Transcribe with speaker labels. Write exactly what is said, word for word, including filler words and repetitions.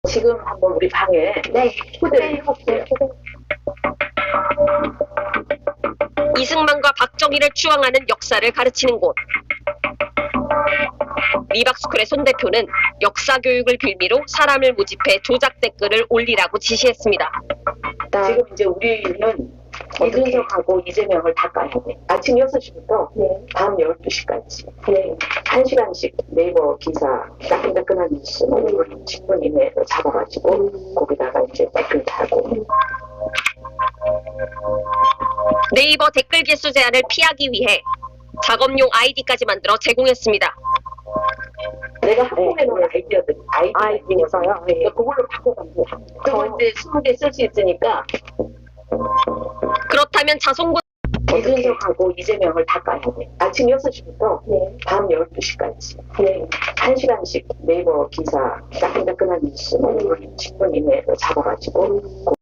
Speaker 1: 지금 한번 우리 방에
Speaker 2: 네.
Speaker 1: 초대를 해볼게요.
Speaker 3: 이승만과 박정희를 추앙하는 역사를 가르치는 곳. 리박스쿨의 손 대표는 역사 교육을 빌미로 사람을 모집해 조작 댓글을 올리라고 지시했습니다.
Speaker 1: 지금 이제 우리는 이준석하고 이재명을 다 까야 돼. 아침 여섯 시부터
Speaker 2: 네.
Speaker 1: 밤 열두 시까지. 네. 한 시간씩 네이버 기사 따끈따끈한 뉴스 십 분 이내로 잡아가지고 거기다가 이제 댓글 달고.
Speaker 3: 네이버 댓글 개수 제한을 피하기 위해 작업용 아이디까지 만들어 제공했습니다.
Speaker 1: 내가 한국에 놓은 아이디어들, 아이디어서요.
Speaker 2: 네.
Speaker 1: 그걸로 바꿔가면 돼. 그거 이제 스무 개 쓸 수 있으니까
Speaker 3: 그렇다면 자송군
Speaker 1: 이준석하고 이재명을 다 까야 돼. 아침 여섯 시부터
Speaker 2: 네.
Speaker 1: 밤 열두 시까지.
Speaker 2: 네.
Speaker 1: 한 시간씩 네이버 기사 따끈따끈한 뉴스 십 분 이내로 잡아가지고